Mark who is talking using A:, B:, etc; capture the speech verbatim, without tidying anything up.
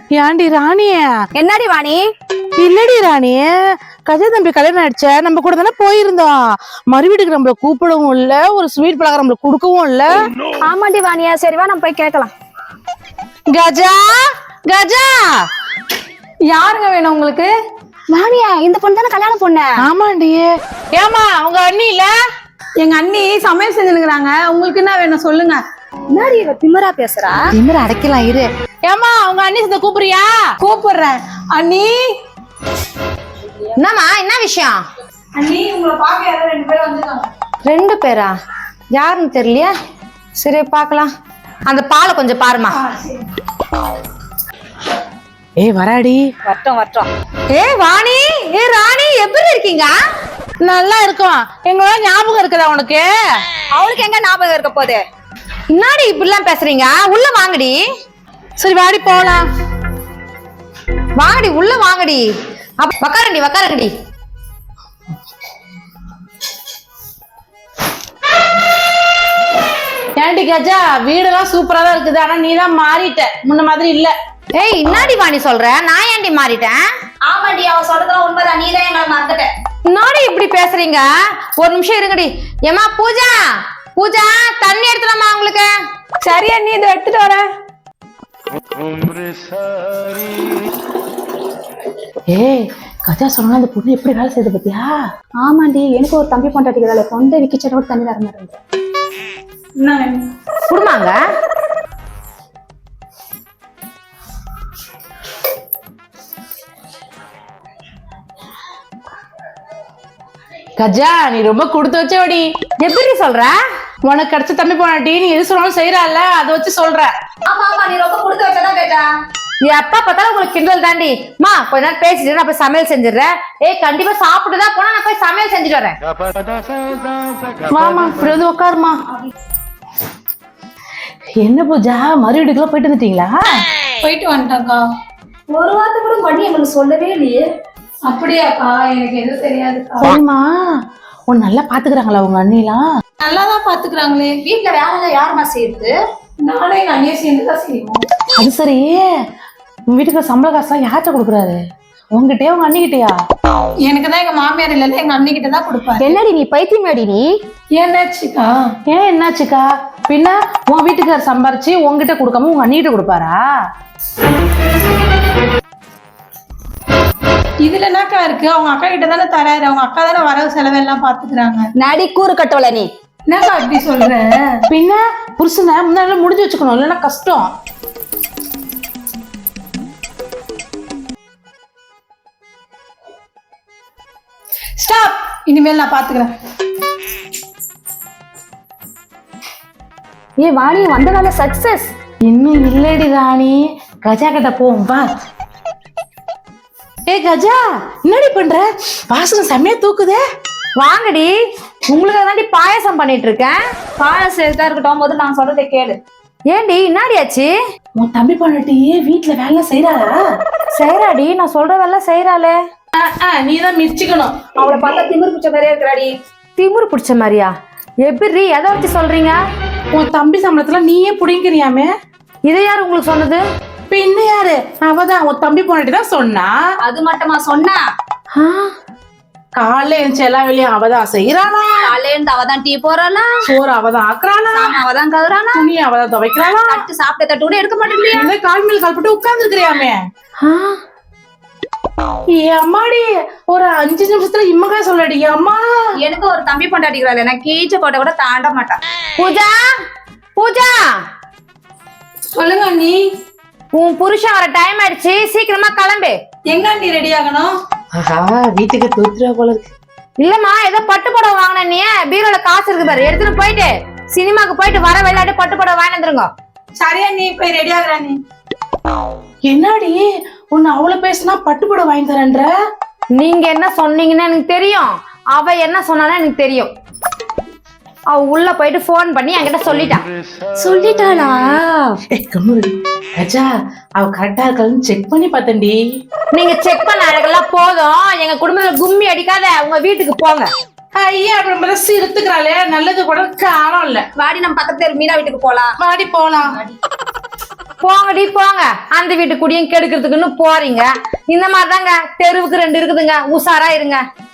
A: ஏண்டி ராணிய?
B: என்னடி வாணி?
A: இல்லடி ராணி, கஜா தம்பி கல்யாணம் ஆயிடுச்ச, நம்ம கூட தானே போயிருந்தோம். மறு வீட்டுக்கு நம்மள கூப்பிடவும் இல்ல, ஒரு ஸ்வீட் பலகாரம் நம்மள கொடுக்கவும் இல்ல.
B: ஆமாண்டி வாணியா, சரிவா நம்ம போய் கேட்கலாம்.
A: கஜா, கஜா,
C: யாருங்க வேணும் உங்களுக்கு?
B: வாணியா, இந்த பொண்ணு தானே கல்யாணம் பொண்ணு?
A: ஆமாண்டி. ஏமா உங்க அண்ணி இல்ல?
C: எங்க அண்ணி சமையல் செஞ்சுருக்காங்க. உங்களுக்கு என்ன வேணும் சொல்லுங்க.
B: என்னடி இவ திமிரா பேசுறா?
A: திமிர அடைக்கலாம் இரு. ஏமா உங்க அண்ணி சேர்ந்து கூப்பிடுறியா?
C: கூப்பிடுறேன். அண்ணி,
B: என்னம்மா, என்ன விஷயம்?
C: அண்ணி உங்களை பார்க்க யாரோ ரெண்டு பேரும் வந்துருக்காங்க.
B: ரெண்டு பேரா? யாருன்னு தெரியலையா? சரி பார்க்கலாம். அந்த பாலை கொஞ்சம் பாருமா.
A: ஏய் வராடி.
B: வட்டம் வட்டம். ஏ வாணி, ஏ ராணி, எப்படி இருக்கீங்க?
A: நல்லா இருக்கும். எங்களோட ஞாபகம் இருக்குதா உனக்கு?
B: அவளுக்கு எங்க ஞாபகம் இருக்க போகுது? முன்னாடி இப்படிலாம் பேசுறீங்க, உள்ள வாங்கடி.
A: சரி வாடி போலாம்.
B: வாங்கடி, உள்ள வாங்கடி. வக்காரண்டி வக்காரண்டி.
A: ஏண்டி கஜா, வீடெல்லாம் சூப்பரா தான் இருக்குது, ஆனா நீ தான் மாறிட்ட, முன்ன மாதிரி இல்ல.
B: ஏய் இன்னாடி வாணி சொல்ற? நான் ஏண்டி மாறிட்டேன்?
D: ஆமாண்டி, அவ சொல்றதுலாம் உண்மைதான். நீ தான் எங்களை மறந்துட்ட.
B: முன்னாடி இப்படி பேசுறீங்க? ஒரு நிமிஷம் இருங்கடி. ஏமா பூஜா, பூஜா தண்ணி எடுத்துலாமா உங்களுக்கு?
C: சரி அண்ணி, இதை எடுத்துட்டு வரேன்.
A: ஏய் கஜா சொன்னா அந்த பொண்ணு எப்படி வேலை செய்யுது பத்தியா?
D: ஆமாண்டி, எனக்கு ஒரு தம்பி பொண்டாட்டிக்கிறாள். தொண்டை விக்கிச்சட கூட தண்ணி தர மாட்டேன்.
C: என்ன வேணும்?
B: குடுமாங்க.
A: கஜா நீ ரொம்ப கொடுத்து வச்சவடி.
B: எப்படி சொல்ற?
A: உனக்கு கிடைச்ச தம்பி போனாட்டி நீ எது சொன்னாலும் செய்யறால, அதை வச்சு சொல்ற.
D: ஆமா ஆமா, நீ ரொம்ப கொடுத்து வச்சதான் கேட்டா.
B: எப்ப பார்த்தாலும் உங்களுக்கு கிண்டல் தாண்டி. மா கொஞ்ச நேரம் பேசிட்டு நான் போய் சமையல் செஞ்சிடுறேன். ஏய் கண்டிப்பா சாப்பிட்டுதான் போனா நான் போய் சமையல் செஞ்சுட்டு வரேன்.
A: மாமா இப்படி வந்து உட்காருமா. என்ன பூஜா, மறு வீட்டுக்குள்ள போயிட்டு வந்துட்டீங்களா?
C: போயிட்டு வந்துட்டாக்கா.
D: ஒரு வார்த்தை கூட பண்ணி எங்களுக்கு சொல்லவே இல்லையே.
C: அப்படியாக்கா? எனக்கு எதுவும் தெரியாதுக்கா.
A: சரிம்மா, உன் நல்லா பாத்துக்கிறாங்களா உங்க அண்ணிலாம்?
C: நல்லாதான் பாத்துக்கிறாங்களே.
D: வீட்டுல வேலை யாருமா செய்யுது?
C: நானும் எங்க அண்ணியை சேர்ந்துதான் செய்வோம்.
A: அது சரி, உங்க வீட்டுக்கு சம்பள காசுலாம் யார்கிட்ட கொடுக்குறாரு? உங்ககிட்டயா உங்க அண்ணிக்கிட்டயா?
C: எனக்கு தான் எங்க மாமியார் இல்ல, எங்க அண்ணி கிட்ட தான் கொடுப்பாரு.
B: என்னடி நீ பைத்தியமாடி நீ?
C: என்னாச்சுக்கா?
A: ஏன் என்னாச்சுக்கா? பின்ன உன் வீட்டுக்காரர் சம்பாரிச்சு உங்ககிட்ட கொடுக்காம உங்க அண்ணிகிட்ட கொடுப்பாரா?
C: இதுல என்னக்கா இருக்கு? அவங்க அக்கா கிட்ட தானே தராரு. அவங்க அக்கா தானே வரவு செலவெல்லாம் பாத்துக்கிறாங்க.
B: நடி கூறு கட்டவள நீ.
C: என்னக்கா அப்படி சொல்ற?
A: பின்ன புருஷனை முன்னாடி முடிஞ்சு வச்சுக்கணும், இல்லைன்னா கஷ்டம்.
C: ஸ்டாப். இனிமேல் நான் பாத்துக்கிறேன்.
D: ஏ வாணி, வந்த வேலை சக்சஸ்.
A: இன்னும் இல்லடி ராணி, கஜா கிட்ட போவோம் வா. ஏ கஜா, என்னடி பண்ற? வாசனை செம்மையா தூக்குதே.
B: வாங்கடி, உங்களுக்கு தாண்டி பாயாசம் பண்ணிட்டு இருக்கேன்.
D: பாயாசம் எடுத்தா இருக்கட்டும், போது நான் சொல்றதை கேளு.
B: ஏண்டி இன்னாடியாச்சு?
A: உன் தம்பி பண்ணட்டியே வீட்டுல வேலை செய்யறாளா?
B: செய்யறாடி, நான் சொல்றதெல்லாம் செய்யறாளே.
A: நீதான் மிச்சிக்கணும்.
D: அவளை பார்த்தா திமிர் பிடிச்ச மாதிரியே இருக்கிறாடி.
B: திமுரு பிடிச்ச மாதிரியா? எப்படி, எதை வச்சு சொல்றீங்க?
A: உன் தம்பி சம்பளத்துல நீயே புடிங்கிறியாமே.
B: இதை யாரு உங்களுக்கு சொன்னது?
A: பின்ன யாரு? அவதான் உன் தம்பி பொண்டாட்டி தான் சொன்னா.
D: அது மட்டுமா சொன்னா?
A: காலைல எழுந்துச்சு எல்லா வேலையும் அவதான் செய்யறானா.
D: காலையில இருந்து அவதான் டீ போறாளா,
A: சோறு அவதான் ஆக்குறானா,
D: அவதான் கதுறானா,
A: துணி அவதான் துவைக்கிறானா,
D: தட்டு சாப்பிட்ட தட்டு கூட எடுக்க மாட்டேங்கிறியா?
A: இந்த கால் மேல் கால் போட்டு உட்கார்ந்து இருக்கிறியாமே. ஏ அம்மாடி, ஒரு அஞ்சு நிமிஷத்துல இம்மக்கா சொல்லடி அம்மா.
D: எனக்கு ஒரு தம்பி பொண்டாட்டிக்கிறாள், நான் கீச்ச கோட்டை கூட தாண்ட மாட்டான்.
B: பூஜா, பூஜா
C: சொல்லுங்க அண்ணி.
B: உன் புருஷன் வர டைம் ஆயிடுச்சு, சீக்கிரமா கிளம்பு.
C: எங்க அண்ணி ரெடி ஆகணும்?
A: ஆஹா, வீட்டுக்கு தூத்துறா போல இருக்கு.
B: இல்லம்மா, ஏதோ பட்டு புடவை வாங்கின நீ, பீரோல காசு இருக்கு பாரு, எடுத்துட்டு போயிட்டு சினிமாக்கு போயிட்டு வர விளையாட்டு பட்டு புடவை வாங்கி வந்துருங்க.
C: சரி அண்ணி, போய் ரெடி ஆகுறா நீ.
A: என்னடி உன்னை அவ்வளவு பேசினா பட்டுப்பட வாங்கி தரேன்ற?
B: நீங்க என்ன சொன்னீங்கன்னு எனக்கு தெரியும், அவ என்ன சொன்னாலும் எனக்கு தெரியும். அவ உள்ள போயிட்டு போன் பண்ணி என்கிட்ட சொல்லிட்டா.
D: சொல்லிட்டாளா?
A: கஜா, அவ கரெக்டா இருக்கான்னு செக் பண்ணி பார்த்தேன்டி.
B: நீங்க செக் பண்ண அழகெல்லாம் போதும், எங்க குடும்பத்துல கும்மி அடிக்காத, உங்க வீட்டுக்கு போங்க.
A: ஐயா, அப்படி ரசி எடுத்துக்கிறாளே, நல்லது கூட காலம் இல்ல.
D: வாடி, நம்ம பக்கத்துல மீனா வீட்டுக்கு போலாம்.
A: வாடி போலாம்.
B: போங்கடி போங்க, அந்த வீட்டு குடியும் கெடுக்கிறதுக்குன்னு போறீங்க. இந்த மாதிரிதாங்க தெருவுக்கு ரெண்டு இருக்குதுங்க, உஷாரா இருங்க.